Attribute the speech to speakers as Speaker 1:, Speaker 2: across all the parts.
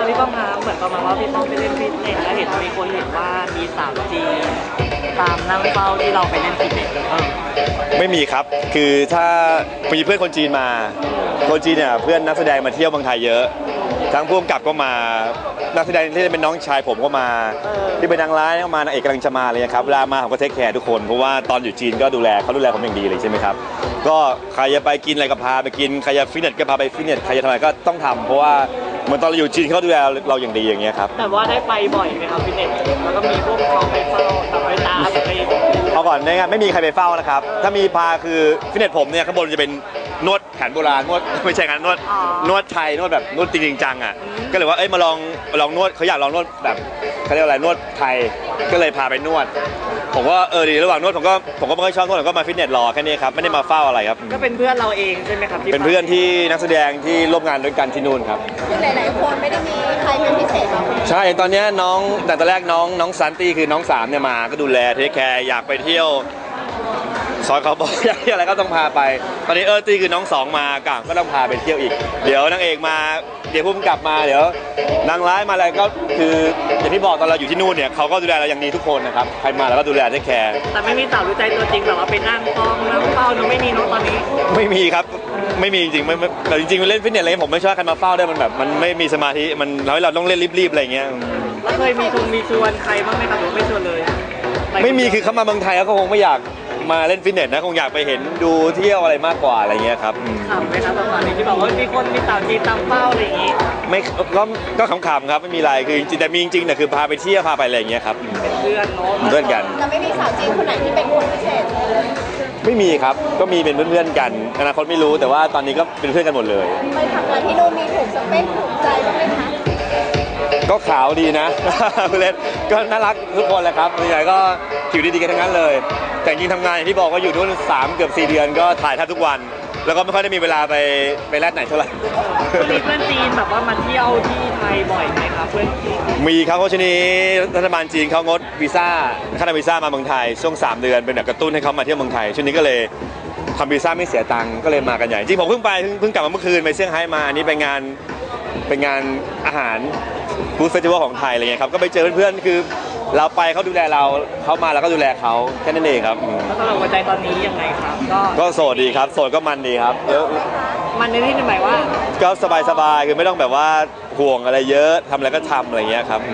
Speaker 1: พี่ป้อมคะเหมือนประมาณว่าพี่ป้อมไปเล่นฟิตเนสแล้วเห็นมีคนเห็นว่ามีสาวจีนตามนั่งเฝ้าที่เราไปเล่นฟิตเนส
Speaker 2: ไม่มีครับคือถ้ามีเพื่อนคนจีนมาคนจีนเนี่ยเพื่อนนักแสดงมาเที่ยวเมืองไทยเยอะทั้งผู้กำกับก็มานักแสดงที่เป็นน้องชายผมก็มาที่เป็นนางร้ายก็มานางเอกกำลังจะมาเลยครับเวลามาผมก็เทคแคร์ทุกคนเพราะว่าตอนอยู่จีนก็ดูแลเขาดูแลผมอย่างดีเลยใช่ไหมครับก็ใครจะไปกินอะไรก็พาไปกินใครจะฟิตเนสก็พาไปฟิตเนสใครจะทำอะไรก็ต้องทำเพราะว่าเหมือนตอนเราอยู่จีนเขาดูแลเราอย่างดีอย่างเงี้ยครับ
Speaker 1: แต่ว่าได้ไปบ่อยไหมครับฟิตเนสแล้วก็มีพวกเขาไปเฝ้าตับไปตาไป
Speaker 2: เอาก่อนนะครับไม่มีใครไปเฝ้านะครับถ้ามีพาคือฟิตเนสผมเนี่ยข้างบนจะเป็นนวดแผนโบราณนวดไม่ใช่การนวดไทยนวดแบบนวดจริงจังอ่ะก็เลยว่ามาลองนวดเขาอยากลองนวดแบบเขาเรียกอะไรนวดไทยก็เลยพาไปนวดผมก็ดีระหว่างนวดผมก็ไม่ค่อยชอบนวดผมก็มาฟิตเนสรอแค่นี้ครับไม่ได้มาเฝ้าอะไรครับ
Speaker 1: ก็เป็นเพื่อนเราเองใช่ไหมครับ
Speaker 2: เป็นเพื่อนที่นักแสดงที่ร่วมงานด้วยกันที่นู่นครับ
Speaker 3: คือหลายๆคนไม่ได้มีใครเป็นพิเศษหรอก
Speaker 2: ใช่ตอนนี้น้องแต่ตอนแรกน้องซันตี้คือน้อง3เนี่ยมาก็ดูแลเทคแคร์อยากไปเที่ยวซอยเขาบอกอยากเที่ยวอะไรก็ต้องพาไปตอนนี้ตีคือน้อง2มาก็ต้องพาไปเที่ยวอีกเดี๋ยวนางเอกมาเดี๋ยวพุ่มกลับมาเดี๋ยวนางร้ายมาอะไรก็คืออย่างที่บอกตอนเราอยู่ที่นู่นเนี่ยเขาก็ดูแลเราอย่างดีทุกคนนะครับใครมาเราก็ดูแลเทคแคร์
Speaker 1: แต่ไม่มีสาวรู้ใจตัวจริงแบบว่าไปนั่งฟ้องนั่งเฝ้าหนูไม่มีน้องตอนนี้
Speaker 2: ไม่มีครับไม่มีจริงๆแต่จริงๆเล่นฟิตเนสอะไรผมไม่ชอบใครมาเฝ้าได้มันแบบมันไม่มีสมาธิมันเราต้องเล่นรีบๆอะไรเงี้ย
Speaker 1: แล้วเคยมีชวนใครบ้างไหมครับหรือไม่ชวนเลย
Speaker 2: ไม่มีคือเขามาเมืองไทยก็คงไม่อยากมาเล่นฟิตเนสนะคงอยากไปเห็นดูเที่ยวอะไรมากกว่าอะไรเงี้ยครับ
Speaker 1: ขำไหมครับตอนนี้ที่บอกว่ามีสาวจีนตามเฝ้าอะไรอย่างงี้
Speaker 2: ไม่ก็ขำๆครับไม่มีอะไรคือจริงแต่มีจริงๆเนี่ยคือพาไปเที่ยวพาไปอะไรอย่างเงี้ยครับ
Speaker 1: เป็นเพื่อนเนาะ
Speaker 2: เพื่อนกัน
Speaker 3: จะไม่มีสาวจีนคนไหนที่เป็นคนพิเศษ
Speaker 2: ไม่มีครับก็มีเป็นเพื่อนๆกันอนาคตไม่รู้แต่ว่าตอนนี้ก็เป็นเพื่อนกันหมดเลย
Speaker 3: ไปทำงานที่นู่นมีถูกสเปคถูกใจบ้างไหมคะ
Speaker 2: ก็ขาวดีนะเล่นก็น่ารักทุกคนแหละครับส่วนใหญ่ก็ผิวดีๆกันทั้งนั้นเลยแต่จริงทำงานอย่างที่บอกว่าอยู่นู่น3 เกือบ 4 เดือนก็ถ่ายแทบทุกวันแล้วก็ไม่ค่อยได้มีเวลาไปแลดไหนเท่าไหร่
Speaker 1: มีเพื่อนจีนแบบว่ามาเที่ยวที่ไทยบ่อยไหมครับเพื่อน
Speaker 2: มีครับเพราะช่วงนี้รัฐบาลจีนเขางดวีซ่าค่าวีซ่ามาเมืองไทยช่วง3 เดือนเป็นแบบกระตุ้นให้เขามาเที่ยวเมืองไทยช่วงนี้ก็เลยทำวีซ่าไม่เสียตังค์ก็เลยมากันใหญ่จริงผมเพิ่งกลับมาเมื่อคืนไปเซี่ยงไฮ้มาอันนี้ไปงานอาหารฟู้ดเฟสติวัลของไทยอะไรเงี้ยครับก็ไปเจอเพื่อนๆคือเราไปเขาดูแลเราเขามาเราก็ดูแลเขาแค่นั้นเองครับ
Speaker 1: แล้วสำหรับหัวใจตอนนี้ยังไงครับ
Speaker 2: ก็โสดดีครับโสดก็มันดีครับ
Speaker 1: มันในที่หมายว่า
Speaker 2: ก็สบายๆคือไม่ต้องแบบว่าห่วงอะไรเยอะทำอะไรก็ทำอะไรเงี้ยครับ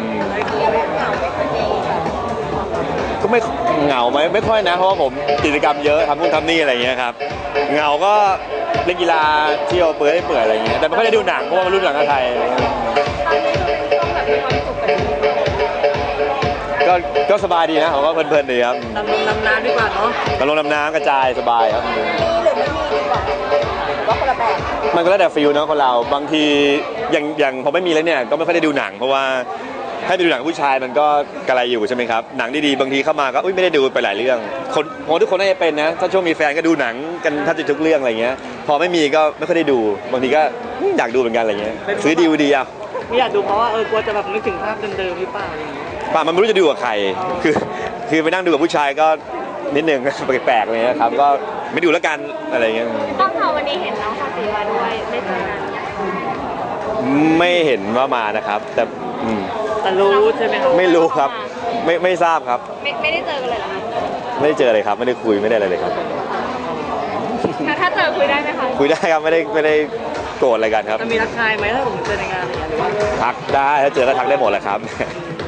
Speaker 2: ก็ไม่เหงาไหมไม่ค่อยนะเพราะว่าผมกิจกรรมเยอะทำนู่นทำนี่อะไรเงี้ยครับเหงาก็เล่นกีฬาเที่ยวเปื่อยอะไรเงี้ยแต่ไม่ค่อยได้ดูหนังเพราะว่ามันรุ่นหนังไทยก็สบายดีนะผมว่าเพลินๆดีครับ
Speaker 1: ดำน้ำดีกว่าเนาะ
Speaker 2: ดำน้ำกระจายสบายครับ
Speaker 3: มีหรือไม่มีดีกว่าว่าคนละแบบ
Speaker 2: มันก็แล้วแต่ฟิลเนาะคนเราบางทีอย่างพอไม่มีแล้วเนี่ยก็ไม่ค่อยได้ดูหนังเพราะว่าให้ไปดูหนังผู้ชายมันก็กระไรอยู่ใช่ไหมครับหนังดีๆบางทีเข้ามาก็ไม่ได้ดูไปหลายเรื่องทุกคนน่าจะเป็นนะถ้าช่วงมีแฟนก็ดูหนังกันถ้าจะทุกเรื่องอะไรเงี้ยพอไม่มีก็ไม่ค่อยได้ดูบางทีก็อยากดูเหมือนกันอะไรเงี้ยซื้อDVDอ่ะ
Speaker 1: ไม่อยากดูเพราะว่ากลัวจะแบบนึกถึงภาพเดิมๆหรือเปล่า
Speaker 2: ป่ะมันไม่รู้จะดูกับใครคือไปนั่งดูกับผู้ชายก็นิดนึงแปลกๆเลยนะครับก็ไม่ดูแล้วกันอะไรเงี้ย
Speaker 3: ต้องทำวันนี้เห็นน้องภาษีมาด้วยได้เจอกัน
Speaker 2: ไม่เห็นว่ามานะครับแต่
Speaker 1: รู้ใช่ไหมครับ
Speaker 2: ไม่รู้ครับไม่ทราบครับ
Speaker 3: ไม่ได้เจอกันเลยเหรอคะ
Speaker 2: ไม่ได้เจอเลยครับไม่ได้คุยไม่ได้อะไรเลยครับ
Speaker 3: ถ้าเจอคุยได้ไหมคะ
Speaker 2: คุยได้ครับไม่ได้โกรธอะไรกันครับ
Speaker 1: จะมีทักทายไหมถ้าผมเจอในงานหรือว่า
Speaker 2: ทักได้ถ้าเจอก็ทักได้หมดแหละครับ